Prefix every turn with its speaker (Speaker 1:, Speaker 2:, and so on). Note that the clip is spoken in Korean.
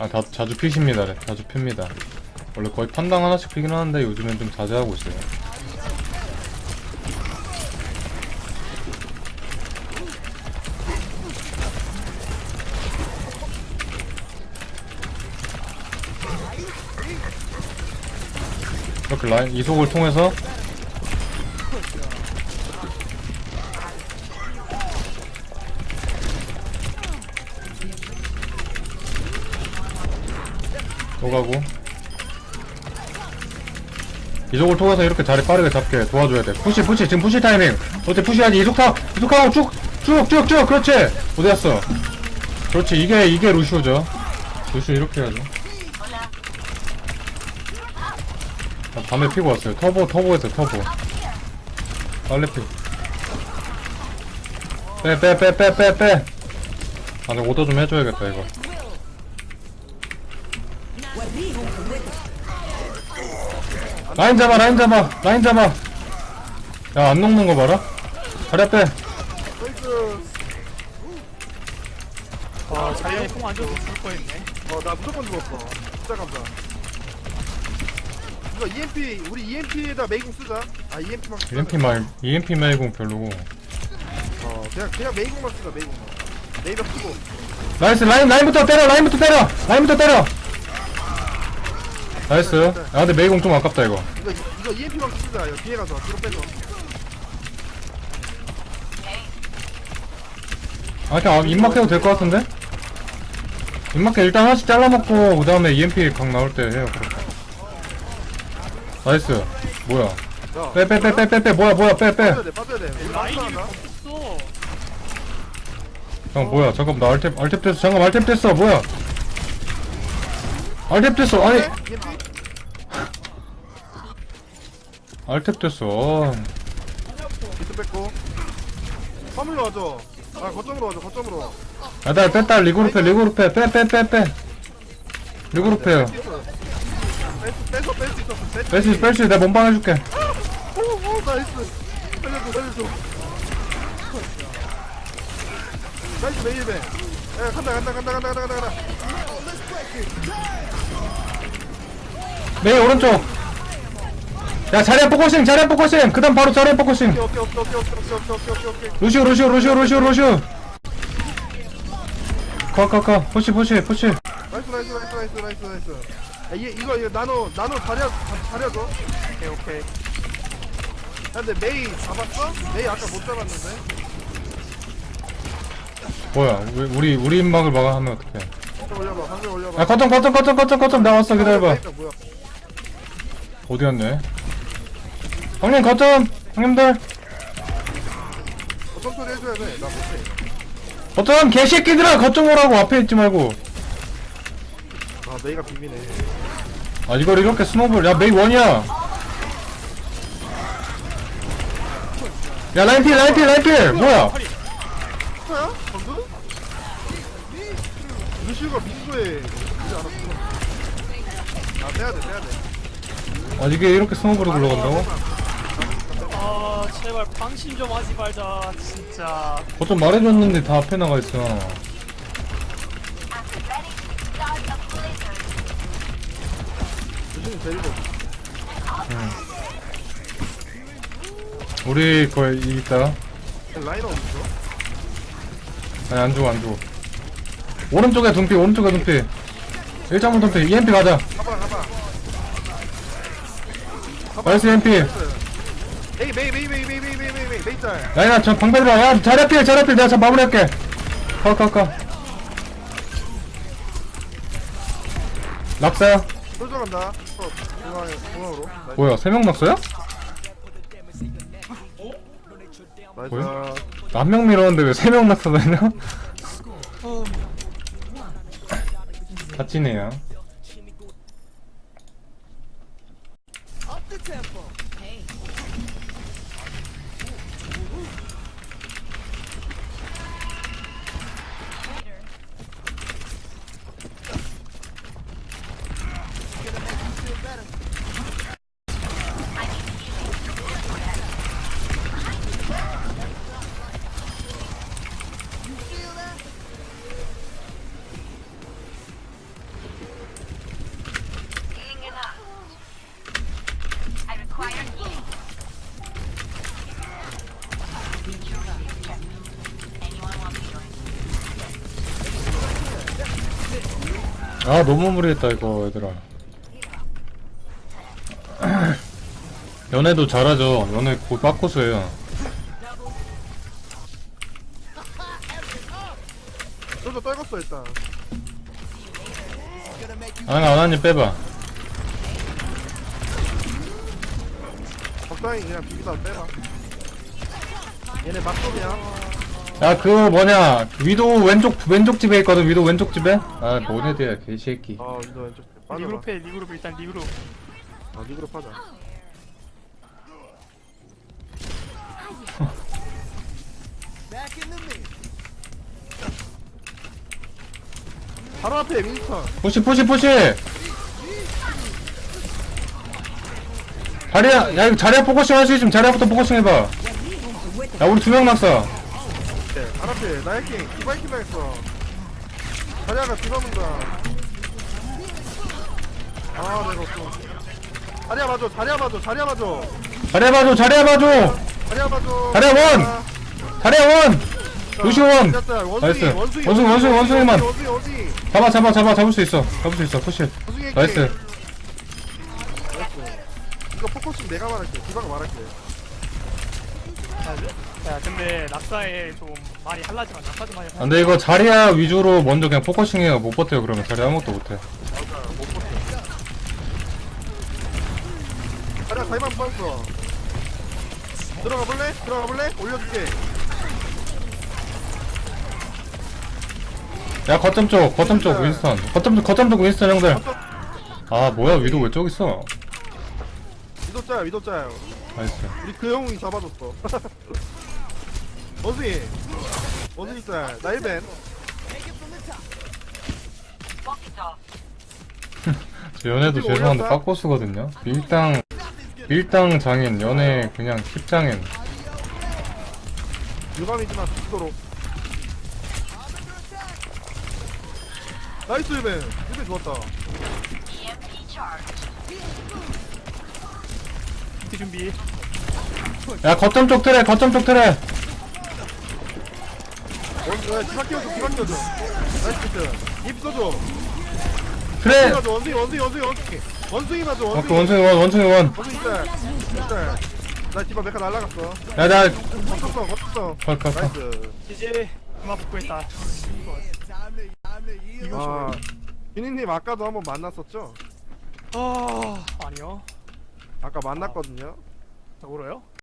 Speaker 1: 아, 자주 피십니다. 자주 핍니다. 원래 거의 판당 하나씩 피긴 하는데 요즘엔 좀 자제하고 있어요. 이렇게 라인 이속을 통해서 오가고 이속을 통해서 이렇게 자리 빠르게 잡게 도와줘야 돼. 푸시 지금 푸시 타이밍. 어때 푸시하지. 이속하고 쭉 그렇지. 어디갔어. 그렇지. 이게 루시오죠. 루시오 이렇게 해야죠. 아, 밤에 피고 왔어요. 터보에서 터보 빨리 피. 빼. 아, 내가 오더 좀 해줘야겠다 이거. 라인 잡아. 야, 안 녹는 거 봐라. 자리 앞에.
Speaker 2: 와 자리에 콩 안 줘도 죽을 뻔했네.
Speaker 3: 나 무조건 죽었어. 진짜 감사. 이거 EMP 우리 EMP에다 메이공 쓰자. 아 EMP만.
Speaker 1: EMP 메이공 별로고.
Speaker 3: 그냥 메이공만 쓰자. 메이공만. 메이공 쓰고.
Speaker 1: 나이스. 라인부터 때려. 나이스. 야, 근데 메이공 좀 아깝다 이거.
Speaker 3: 이거 EMP만 쓰자. 이거 뒤에 가서 뒤로 빼서.
Speaker 1: 아, 그냥 입막해도 될 것 같은데? 입막해 일단 하나씩 잘라먹고 그 다음에 EMP 각 나올 때 해요. 그렇게. 나이스. 뭐야?
Speaker 3: 야.
Speaker 1: 빼. 뭐야? 빼.
Speaker 3: 빠져야 돼. 우리
Speaker 2: 라인이
Speaker 3: 라인 하나.
Speaker 2: 없어.
Speaker 1: 형 뭐야? 잠깐 나 알탭 됐어. 잠깐 알탭 됐어. 뭐야? 알탭 됐어. 아니
Speaker 3: EMP?
Speaker 1: 알탭 됐어.
Speaker 3: 비트 뺐고. 화물로 와줘. 아 거점으로 와줘. 거점으로.
Speaker 1: 아, 나 뺐다. 리그룹해. 빼. 리그룹해요.
Speaker 3: 뺄수 있었어.
Speaker 1: 뺄수 내가 몸방 해줄게.
Speaker 3: 오 나이스. 살려줘. 나이스 메이베. 야 간다.
Speaker 1: 메이 오른쪽. 야, 자리야 포커싱. 그 다음 바로 자리야 포커싱.
Speaker 3: 오케이.
Speaker 1: 루시오. 가. 푸시.
Speaker 3: 나이스. 야, 이거 나노 자려줘. 오케이. 야, 근데 메이 잡았어? 메이 아까 못 잡았는데.
Speaker 1: 뭐야? 우리 입막을 막아하면 어떡해?
Speaker 3: 방금 올려봐.
Speaker 1: 야, 거점 나왔어. 기다려봐.
Speaker 3: 뭐야?
Speaker 1: 어디였네? 형님 거점. 형님들
Speaker 3: 어떤 소리 해줘야 돼? 나 못해.
Speaker 1: 거점 개새끼들아. 거점 오라고. 앞에 있지 말고.
Speaker 3: 아 메이가 비비네.
Speaker 1: 아, 이걸 이렇게 스노볼. 야, 메이 원이야. 야, 라인필. 뭐야?
Speaker 3: 스타야? 방금? 루시우가 민소에 그러지 않았어. 아 빼야돼.
Speaker 1: 아, 이게 이렇게 스노볼이 굴러간다고?
Speaker 2: 아 제발 방심 좀 하지 말자 진짜.
Speaker 1: 거점 말해줬는데 다 앞에 나가 있어.
Speaker 3: 루시우 데리고.
Speaker 1: 우리 거의 있다.
Speaker 3: 라이너 어딨어?
Speaker 1: 아니, 안 죽어. 오른쪽에 둔피. 1.5 둔피. EMP 가자.
Speaker 3: 가봐.
Speaker 1: 나이스 EMP.
Speaker 3: 메이 짤.
Speaker 1: 라인아, 저 방패 들어. 야, 자리 앞필. 내가 저 마무리할게. 가. 낙사야.
Speaker 3: 솔져 간다. 중앙으로.
Speaker 1: 뭐야, 3명 낙사야?
Speaker 3: 나이스.
Speaker 1: 뭐야? 나 한 명 밀었는데 왜 3명 낙사되냐? 다치네요. 아 너무 무리했다 이거 얘들아. 연애도 잘하죠. 연애 곧 빠코스예요.
Speaker 3: 솔저 떨궜어 일단.
Speaker 1: 아나님 빼봐.
Speaker 3: 적당히 그냥 비비다 빼봐. 얘네 막돔이야.
Speaker 1: 야 그거 뭐냐 위도 왼쪽 집에 있거든. 위도 왼쪽 집에. 아 모네드야 개새끼.
Speaker 3: 아 위도 왼쪽. 빠져봐.
Speaker 2: 리그룹 해 리그룹 일단 리그룹.
Speaker 3: 아 리그룹 하자. 바로 앞에 윈스턴.
Speaker 1: 푸시 자리야 야 이거 자리야 포커싱 할 수 있으면 자리야부터 포커싱 해봐. 야 우리 2명 낙사.
Speaker 3: 네, 바로 앞에 나이킹 디바이킹 당했어. 자리아가 디바문다. 아 내가 없어. 자리아 봐줘.
Speaker 1: 자리야 봐줘.
Speaker 3: 자리아 봐줘.
Speaker 1: 자리야 원! 자리야 원! 루시오 원! 나이스. 원숭이만.
Speaker 3: 원숭이.
Speaker 1: 잡을 수 있어 푸시.
Speaker 3: 원숭이
Speaker 1: 나이스.
Speaker 3: 나이스. 이거 포커싱 내가 말할게. 디바가 말할게.
Speaker 2: 야 근데 낙사에 좀 많이 할라지만 낙사 좀 많이
Speaker 1: 아, 근데 이거 자리야 위주로 먼저 그냥 포커싱해요. 못 버텨요 그러면. 자리야 아무것도 못해.
Speaker 3: 맞아 못 버텨. 자리아 다이만 빠졌어. 들어가 볼래? 올려줄게.
Speaker 1: 야 거점 쪽 윈스턴. 거점 쪽 윈스턴 형들. 아 뭐야 위도 왜 저기 있어?
Speaker 3: 위도짜야.
Speaker 1: 나이스.
Speaker 3: 우리 그 형이 잡아줬어. 원숭이 짤. 나 1벤.
Speaker 1: 저 연애도 죄송한데 빠코스거든요. 밀당 장인 연애 그냥 힙장인.
Speaker 3: 유감이지만 죽도록. 나이스 1벤 좋았다.
Speaker 2: 티 준비.
Speaker 1: 야 거점 쪽 틀에.
Speaker 3: 디바 끼워줘. 나이스 피트. 입 써줘.
Speaker 1: 그래.
Speaker 3: 원숭이 맞아.
Speaker 1: 그 원숭이 원.
Speaker 3: 원숭이 짤. 나 디바 메카 날라갔어.
Speaker 1: 야나
Speaker 3: 거쳤어.
Speaker 1: 컷.
Speaker 3: 나이스.
Speaker 2: 이제 그만 복구했다.
Speaker 3: 아, 유니님 아까도 한번 만났었죠?
Speaker 2: 아니요.
Speaker 3: 아까 만났거든요.
Speaker 2: 자 울어요?